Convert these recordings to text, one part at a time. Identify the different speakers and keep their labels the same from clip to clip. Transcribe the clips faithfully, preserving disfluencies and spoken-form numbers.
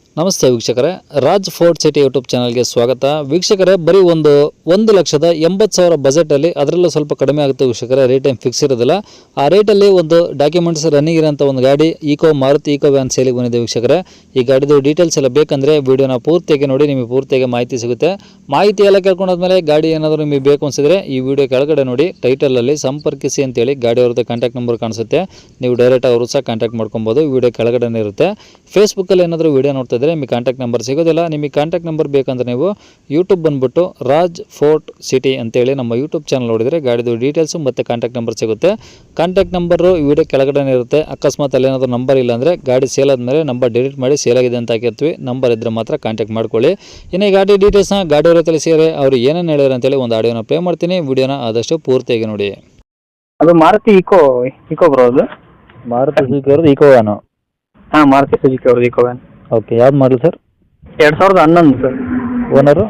Speaker 1: ನಮಸ್ತೆ ವೀಕ್ಷಕರೇ, Raj fort city YouTube ಚಾನಲ್ಗೆ ಸ್ವಾಗತ. ವೀಕ್ಷಕರೇ, ಬರೀ ಒಂದು ಒಂದು ಲಕ್ಷದ ಎಂಬತ್ತು ಸಾವಿರ ಬಜೆಟಲ್ಲಿ, ಅದರಲ್ಲೂ ಸ್ವಲ್ಪ ಕಡಿಮೆ ಆಗುತ್ತೆ ವೀಕ್ಷಕರೇ, ರೇಟ್ ಏನು ಫಿಕ್ಸ್ ಇರೋದಿಲ್ಲ. ಆ ರೇಟಲ್ಲಿ ಒಂದು ಡಾಕ್ಯುಮೆಂಟ್ಸ್ ರನ್ನಿಂಗ್ ಇರೋಂಥ ಒಂದು ಗಾಡಿ ಈಕೋ ಮಾರುತಿ ಈಕೋ ವ್ಯಾನ್ ಸೇಲಿಗೆ ಬಂದಿದೆ ವೀಕ್ಷಕರೇ. ಈ ಗಾಡಿದು ಡೀಟೇಲ್ಸ್ ಎಲ್ಲ ಬೇಕಂದರೆ ವಿಡಿಯೋನ ಪೂರ್ತಿಯಾಗಿ ನೋಡಿ, ನಿಮಗೆ ಪೂರ್ತಿಯಾಗಿ ಮಾಹಿತಿ ಸಿಗುತ್ತೆ. ಮಾಹಿತಿ ಎಲ್ಲ ಕೇಳ್ಕೊಂಡಾದ್ಮೇಲೆ ಗಾಡಿ ಏನಾದರೂ ನಿಮಗೆ ಬೇಕು ಅನಿಸಿದ್ರೆ ಈ ವಿಡಿಯೋ ಕೆಳಗಡೆ ನೋಡಿ, ಟೈಟಲಲ್ಲಿ ಸಂಪರ್ಕಿಸಿ ಅಂತೇಳಿ ಗಾಡಿ ಅವ್ರದ್ದು ಕಾಂಟ್ಯಾಕ್ಟ್ ನಂಬರ್ ಕಾಣಿಸುತ್ತೆ. ನೀವು ಡೈರೆಕ್ಟ್ ಅವರು ಸಹ ಕಾಂಟ್ಯಾಕ್ಟ್ ಮಾಡ್ಕೊಬೋದು. ವಿಡಿಯೋ ಕೆಳಗಡೆ ಇರುತ್ತೆ. ಫೇಸ್ಬುಕ್ಕಲ್ಲಿ ಏನಾದರೂ ವಿಡಿಯೋ ನೋಡ್ತಾ ಇದ್ದರೆ ನಿಮಗೆ ಕಾಂಟ್ಯಾಕ್ಟ್ ನಂಬರ್ ಸಿಗೋದಿಲ್ಲ. ನಿಮಗೆ ಕಾಂಟ್ಯಾಕ್ಟ್ ನಂಬರ್ ಬೇಕಂದ್ರೆ ನೀವು ಯೂಟ್ಯೂಬ್ ಬಂದುಬಿಟ್ಟು ರಾಜ್ ಫೋರ್ಟ್ ಸಿಟಿ ಅಂತೇಳಿ ನಮ್ಮ ಯೂಟ್ಯೂಬ್ ಚಾನಲ್ ನೋಡಿದರೆ ಗಾಡಿದು ಡೀಟೇಲ್ಸು ಮತ್ತು ಕಾಂಟ್ಯಾಕ್ಟ್ ನಂಬರ್ ಸಿಗುತ್ತೆ. ಕಾಂಟ್ಯಾಕ್ಟ್ ನಂಬರು ವಿಡಿಯೋ ಕೆಳಗಡೆ ಇರುತ್ತೆ. ಅಕಸ್ಮಾತ್ ಅಲ್ಲಿ ಏನಾದರೂ ನಂಬರ್ ಇಲ್ಲ ಅಂದರೆ ಗಾಡಿ ಸೇಲ್ ಆದಮೇಲೆ ನಂಬರ್ ಡಿಲೀಟ್ ಮಾಡಿ ಸೇಲ್ ಆಗಿದೆ ಅಂತ ಹಾಕಿರ್ತೀವಿ. ನಂಬರ್ ಇದ್ದರೆ ಮಾತ್ರ ಕಾಂಟ್ಯಾಕ್ಟ್ ಮಾಡ್ಕೊಳ್ಳಿ. ಇನ್ನು ಈ ಗಾಡಿ ಡೀಟೇಲ್ಸ್ನ ಗಾಡಿಯವರ ತಿಳಿಸಿದರೆ ಅವರು ಏನೇನು ಹೇಳಿದ್ರು ಅಂತೇಳಿ ಒಂದು ಆಡಿಯೋನ ಪ್ಲೇ ಮಾಡ್ತೀನಿ. ವಿಡಿಯೋನ ಆದಷ್ಟು ಪೂರ್ತಿಯಾಗಿ ನೋಡಿ.
Speaker 2: ಅದು ಮಾರುತಿ ಈಕೋ ಈಕೋ ಬ್ರೋ. ಅದು
Speaker 1: ಮಾರುತಿ ಸುಜುಕಿ ಅವ್ರದ್ದು ಈಕೋ ವ್ಯಾನು.
Speaker 2: ಹಾಂ, ಮಾರುತಿ ಸುಜುಕಿ ಅವ್ರದ್ದು ಈಕೋ ವ್ಯಾನ್.
Speaker 1: ಓಕೆ, ಯಾವ್ದು ಮಾಡಲ್ ಸರ್?
Speaker 2: ಎರಡು ಸಾವಿರದ ಹನ್ನೊಂದು sir.
Speaker 1: Owner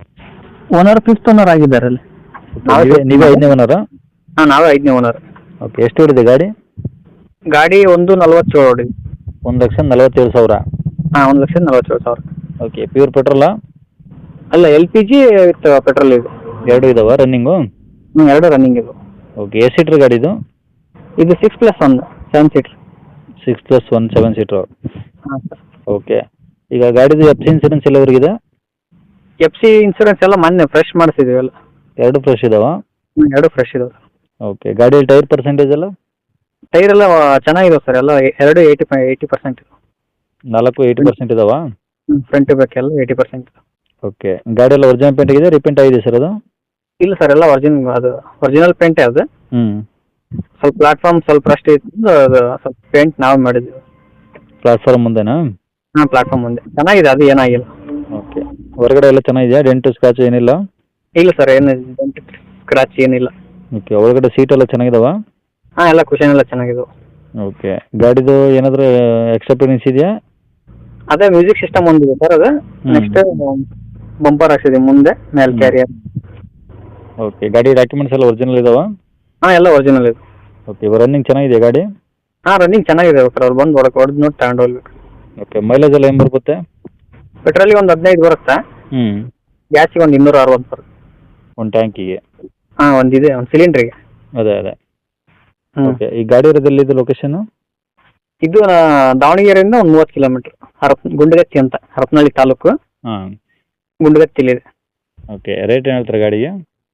Speaker 2: owner fifth owner ಆಗಿದ್ದಾರೆ ಅಲ್ಲಿ.
Speaker 1: ನೀವೇ ಐದನೇ ಓನರಾ?
Speaker 2: ಹಾಂ, ನಾವೇ ಐದನೇ ಓನರ್.
Speaker 1: ಓಕೆ, ಎಷ್ಟು ಹೊಡಿದೆ ಗಾಡಿ?
Speaker 2: ಗಾಡಿ ಒಂದು ನಲ್ವತ್ತೇಳು ಹೊಡಿ.
Speaker 1: ಒಂದು ಲಕ್ಷ ನಲವತ್ತೇಳು ಸಾವಿರ.
Speaker 2: ಹಾಂ, ಒಂದು ಲಕ್ಷದ ನಲ್ವತ್ತೇಳು ಸಾವಿರ.
Speaker 1: ಓಕೆ, ಪ್ಯೂರ್ ಪೆಟ್ರೋಲಾ?
Speaker 2: ಅಲ್ಲ, L P G with petrol ಇದೆ.
Speaker 1: ಎರಡು ಇದಾವ ರನ್ನಿಂಗು?
Speaker 2: ಹ್ಞೂ, ಎರಡು ರನ್ನಿಂಗ್ ಇದು.
Speaker 1: ಓಕೆ, ಎಷ್ಟು ಸೀಟ್ರ್ ಗಾಡಿ ಇದು?
Speaker 2: ಇದು six plus one seven seater.
Speaker 1: Six plus one seven seater.
Speaker 2: ಹಾಂ ಸರ್.
Speaker 1: ಓಕೆ, ಈಗ ಗಾಡಿದು ಎಫ್ ಸಿ ಇನ್ಸೂರೆನ್ಸ್ ಎಲ್ಲ ಅವ್ರಿಗಿದೆ?
Speaker 2: ಎಫ್ ಸಿ ಇನ್ಸೂರೆನ್ಸ್ ಎಲ್ಲ ಮೊನ್ನೆ ಫ್ರೆಶ್ ಮಾಡಿಸಿದ್ದೀವಿ ಎಲ್ಲ.
Speaker 1: ಎರಡು ಫ್ರೆಶ್ ಇದಾವ?
Speaker 2: ಹ್ಞೂ, ಎರಡು ಫ್ರೆಶ್ ಇದಾವೆ.
Speaker 1: ಓಕೆ, ಗಾಡಿಯಲ್ಲಿ ಟೈರ್ ಪರ್ಸೆಂಟೇಜ್ ಎಲ್ಲ?
Speaker 2: ಟೈರ್ ಎಲ್ಲ ಚೆನ್ನಾಗಿದಾವೆ ಸರ್. ಎಲ್ಲ ಎರಡು ಏಯ್ಟಿ ಫೈ ಏಯ್ಟಿ ಪರ್ಸೆಂಟ್ ಇದೆ.
Speaker 1: ನಾಲ್ಕು ಏಯ್ಟಿ ಪರ್ಸೆಂಟ್ ಇದಾವ?
Speaker 2: ಹ್ಞೂ, ಫ್ರಂಟ್ ಬ್ಯಾಕ್ ಎಲ್ಲ ಏಯ್ಟಿ ಪರ್ಸೆಂಟ್.
Speaker 1: ಓಕೆ, ಗಾಡಿ ಎಲ್ಲ ಒರಿಜಿನಲ್ ಪೇಂಟ್ ಆಗಿದೆ, ರಿಪೇಂಟ್ ಆಗಿದೆ ಸರ್ ಅದು?
Speaker 2: ಇಲ್ಲ ಸರ್, ಎಲ್ಲ ಒರಿಜಿನ್ ಅದು ಒರಿಜಿನಲ್ ಪೇಂಟೇ ಅದು.
Speaker 1: ಹ್ಞೂ,
Speaker 2: ಸ್ವಲ್ಪ ಪ್ಲಾಟ್ಫಾರ್ಮ್ ಸ್ವಲ್ಪ ರಸ್ಟ್ ಇತ್ತು, ಅದು ಸ್ವಲ್ಪ ಪೇಂಟ್ ನಾವು ಮಾಡಿದ್ವಿ.
Speaker 1: ಪ್ಲಾಟ್ಫಾರ್ಮ್ ಮುಂದೆನಾ?
Speaker 2: ಹಾಂ, ಪ್ಲಾಟ್ಫಾರ್ಮ್ ಮುಂದೆ ಚೆನ್ನಾಗಿದೆ, ಅದು ಏನಾಗಿಲ್ಲ.
Speaker 1: ಓಕೆ, ಹೊರಗಡೆ ಎಲ್ಲ ಚೆನ್ನಾಗಿದೆಯಾ? ಡೆಂಟು ಸ್ಕ್ರಾಚ್ ಏನಿಲ್ಲ?
Speaker 2: ಇಲ್ಲ ಸರ್, ಏನು ಸ್ಕ್ರಾಚ್ ಏನಿಲ್ಲ.
Speaker 1: ಓಕೆ, ಒಳಗಡೆ ಸೀಟ್ ಎಲ್ಲ ಚೆನ್ನಾಗಿದಾವ?
Speaker 2: ಹಾಂ, ಎಲ್ಲ ಕುಷನ್ ಎಲ್ಲ ಚೆನ್ನಾಗಿದಾವೆ.
Speaker 1: ಓಕೆ, ಗಾಡಿದು ಏನಾದರೂ ಎಕ್ಸ್ಟ್ರಾ ಫಿಟ್ಟಿಂಗ್ಸ್ ಇದೆಯಾ?
Speaker 2: ಅದೇ ಮ್ಯೂಸಿಕ್ ಸಿಸ್ಟಮ್ ಒಂದಿದೆ ಸರ್. ಅದು ನೆಕ್ಸ್ಟ್ ಬಂಪರ್ ಹಾಕ್ಸಿದೆ ಮುಂದೆ ಮೇಲೆ ಕ್ಯಾರಿಯರ್.
Speaker 1: ಓಕೆ, ಗಾಡಿ ಡಾಕ್ಯುಮೆಂಟ್ಸ್ ಎಲ್ಲ ಒರಿಜಿನಲ್ ಇದಾವ?
Speaker 2: ಹಾಂ, ಎಲ್ಲ ಒರಿಜಿನಲ್ ಇದೆ.
Speaker 1: ಓಕೆ, ರನ್ನಿಂಗ್ ಚೆನ್ನಾಗಿದೆಯಾ ಗಾಡಿ?
Speaker 2: ಹಾಂ, ರನ್ನಿಂಗ್ ಚೆನ್ನಾಗಿದೆ ಸರ್. ಅವ್ರು ಬಂದು ಹೊಡಕ್ಕೆ ಹೊಡೆದು ನೋಡಿ ತಗೊಂಡು ಹೋಗ್ಬೇಕು.
Speaker 1: ಓಕೆ, ಮೈಲೇಜ್ ಎಲ್ಲ ಏನು ಬರುತ್ತೆ?
Speaker 2: ಪೆಟ್ರೋಲಿಗೆ ಒಂದು ಹದಿನೈದು ಬರುತ್ತಾ?
Speaker 1: ಹ್ಞೂ,
Speaker 2: ಗ್ಯಾಸಿಗೆ ಒಂದು ಇನ್ನೂರ ಅರವತ್ತು ಬರುತ್ತೆ.
Speaker 1: ಒಂದು ಟ್ಯಾಂಕಿಗೆ?
Speaker 2: ಹಾಂ, ಒಂದಿದೆ, ಒಂದು ಸಿಲಿಂಡ್ರಿಗೆ.
Speaker 1: ಅದೇ ಅದೇ.
Speaker 2: ಹ್ಞೂ.
Speaker 1: ಓಕೆ, ಈ ಗಾಡಿ ಇರೋದೆಲ್ಲಿದೆ ಲೊಕೇಶನ್?
Speaker 2: ಇದು ದಾವಣಗೆರೆಯಿಂದ ಒಂದು ಮೂವತ್ತು ಕಿಲೋಮೀಟ್ರ್, ಹರಪ್ ಗುಂಡಗತ್ತಿ ಅಂತ, ಹರಪನಹಳ್ಳಿ ತಾಲೂಕು.
Speaker 1: ಹಾಂ,
Speaker 2: ಗುಂಡಗತ್ತಿಲಿದೆ.
Speaker 1: ಓಕೆ, ರೇಟ್ ಏನು ಹೇಳ್ತಾರೆ ಗಾಡಿಗೆ?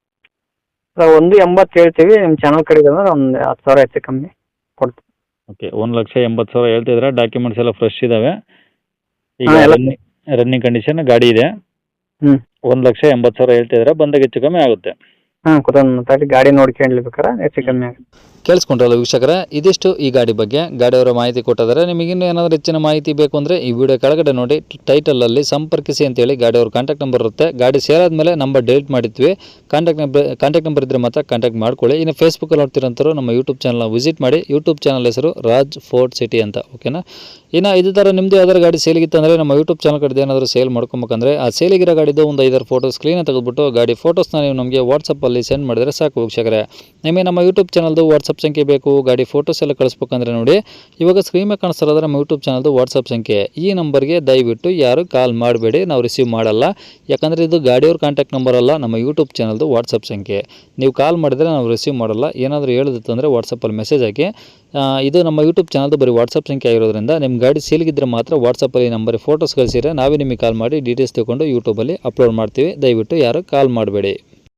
Speaker 2: ಸರ್, ಒಂದು ಎಂಬತ್ತು ಹೇಳ್ತೀವಿ. ನಿಮ್ಮ ಚಾನಲ್ ಕಡೆಗೆ ಅಂದ್ರೆ ಒಂದು ಹತ್ತು ಸಾವಿರ ಹೆಚ್ಚು ಕಮ್ಮಿ ಕೊಡ್ತೀವಿ.
Speaker 1: ಓಕೆ, ಒಂದು ಲಕ್ಷ ಎಂಬತ್ತು ಸಾವಿರ ಹೇಳ್ತಿದ್ರೆ, ಡಾಕ್ಯುಮೆಂಟ್ಸ್ ಎಲ್ಲ ಫ್ರೆಶ್ ಇದ್ದಾವೆ. ಈಗ
Speaker 2: ಹಾಂ, ಎಲ್ಲ
Speaker 1: ರನ್ನಿಂಗ್ ರನ್ನಿಂಗ್ ಕಂಡೀಷನ್ ಗಾಡಿ ಇದೆ.
Speaker 2: ಹ್ಞೂ.
Speaker 1: ಒಂದು ಲಕ್ಷ ಎಂಬತ್ತು ಸಾವಿರ ಹೇಳ್ತಿದ್ರೆ, ಬಂದಾಗ ಹೆಚ್ಚು ಕಮ್ಮಿ ಆಗುತ್ತೆ.
Speaker 2: ಹಾಂ, ಕೂತ್ಕೊಂಡು ಮಾತಾಡಿ ಗಾಡಿ ನೋಡ್ಕೊಂಡ್ಬೇಕಾರೆ ಹೆಚ್ಚು ಕಮ್ಮಿ ಆಗುತ್ತೆ.
Speaker 1: ಕೇಳಿಸ್ಕೊಂಡ್ರಲ್ಲ ವೀಕ್ಷಕರೇ, ಇದಿಷ್ಟು ಈ ಗಾಡಿ ಬಗ್ಗೆ ಗಾಡಿಯವರ ಮಾಹಿತಿ ಕೊಟ್ಟಿದ್ದಾರೆ. ನಿಮಗೆ ಇನ್ನೂ ಏನಾದರೂ ಹೆಚ್ಚಿನ ಮಾಹಿತಿ ಬೇಕು ಅಂದರೆ ಈ ವಿಡಿಯೋ ಕೆಳಗಡೆ ನೋಡಿ, ಟೈಟಲಲ್ಲಿ ಸಂಪರ್ಕಿಸಿ ಅಂತೇಳಿ ಗಾಡಿಯವ್ರ ಕಾಂಟ್ಯಾಕ್ಟ್ ನಂಬರ್ ಇರುತ್ತೆ. ಗಾಡಿ ಸೇಲ್ ಆದಮೇಲೆ ನಂಬರ್ ಡಿಲೀಟ್ ಮಾಡಿದ್ವಿ. ಕಾಂಟ್ಯಾಕ್ಟ್ ನಂಬರ್ ಕಾಂಟ್ಯಾಕ್ಟ್ ನಂಬರ್ ಇದ್ದರೆ ಮಾತ್ರ ಕಾಂಟ್ಯಾಕ್ಟ್ ಮಾಡ್ಕೊಳ್ಳಿ. ಇನ್ನು ಫೇಸ್ಬುಕ್ಕಲ್ಲಿ ನೋಡ್ತಿರೋಂಥವ್ರು ನಮ್ಮ ಯೂಟ್ಯೂಬ್ ಚಾನಲ್ನ ವಿಸಿಟ್ ಮಾಡಿ. ಯೂಟ್ಯೂಬ್ ಚಾನಲ್ ಹೆಸರು ರಾಜ್ ಫೋರ್ಟ್ ಸಿಟಿ ಅಂತ. ಓಕೆನಾ? ಇನ್ನು ಇದೇ ಥರ ನಿಮ್ಮದು ಯಾವ್ದಾರು ಗಾಡಿ ಸೇಲಿಗಿತ್ತು ಅಂದರೆ ನಮ್ಮ ಯೂಟ್ಯೂಬ್ ಚಾನಲ್ ಕಡೆ ಏನಾದರೂ ಸೇಲ್ ಮಾಡ್ಕೊಬೇಕಂದ್ರೆ ಆ ಸೇಲಿಗಿರೋ ಗಾಡಿದು ಒಂದು ಐದಾರು ಫೋಟೋಸ್ ಕ್ಲೀನಾಗಿ ತೆಗೆದುಬಿಟ್ಟು ಗಾಡಿ ಫೋಟೋಸ್ನ ನೀವು ನಮಗೆ ವಾಟ್ಸಪ್ಪಲ್ಲಿ ಸೆಂಡ್ ಮಾಡಿದರೆ ಸಾಕು ವೀಕ್ಷಕರೇ. ನಿಮಗೆ ನಮ್ಮ ಯೂಟ್ಯೂಬ್ ಚಾನಲ್ದು ವಾಟ್ಸಪ್ ಸಂಖ್ಯೆ ಬೇಕು, ಗಾಡಿ ಫೋಟೋಸ್ ಎಲ್ಲ ಕಳಿಸ್ಬೇಕಂದ್ರೆ ನೋಡಿ, ಇವಾಗ ಸ್ಕ್ರೀನ್ ಮೇಲೆ ಕಾಣಿಸ್ತಿರೋದ್ರೆ ನಮ್ಮ ಯೂಟ್ಯೂಬ್ ಚಾನಲ್ದು ವಾಟ್ಸಪ್ ಸಂಖ್ಯೆ. ಈ ನಂಬರ್ಗೆ ದಯವಿಟ್ಟು ಯಾರು ಕಾಲ್ ಮಾಡಬೇಡಿ, ನಾವು ರಿಸೀವ್ ಮಾಡಲ್ಲ. ಯಾಕಂದರೆ ಇದು ಗಾಡಿಯವ್ರ ಕಾಂಟ್ಯಾಕ್ಟ್ ನಂಬರ್ ಅಲ್ಲ, ನಮ್ಮ ಯೂಟ್ಯೂಬ್ ಚಾನಲ್ದು ವಾಟ್ಸಪ್ ಸಂಖ್ಯೆ. ನೀವು ಕಾಲ್ ಮಾಡಿದರೆ ನಾವು ರಿಸೀವ್ ಮಾಡಲ್ಲ. ಏನಾದರೂ ಹೇಳಿದಿತ್ತು ಅಂದರೆ ವಾಟ್ಸಪ್ಪಲ್ಲಿ ಮೆಸೇಜ್ ಹಾಕಿ. ಇದು ನಮ್ಮ ಯೂಟ್ಯೂಬ್ ಚಾನಲ್ದು ಬರೀ ವಾಟ್ಸಪ್ ಸಂಖ್ಯೆ ಆಗಿರೋದ್ರಿಂದ ನಿಮ್ಮ ಗಾಡಿ ಸೇಲ್ಗಿದ್ರೆ ಮಾತ್ರ ವಾಟ್ಸಪ್ಪಲ್ಲಿ ನಂಬರಿಗೆ ಫೋಟೋಸ್ ಕಳಿಸಿದ್ರೆ ನಾವೇ ನಿಮಗೆ ಕಾಲ್ ಮಾಡಿ ಡೀಟೇಲ್ಸ್ ತೊಗೊಂಡು ಯೂಟ್ಯೂಬಲ್ಲಿ ಅಪ್ಲೋಡ್ ಮಾಡ್ತೀವಿ. ದಯವಿಟ್ಟು ಯಾರು ಕಾಲ್ ಮಾಡಬೇಡಿ.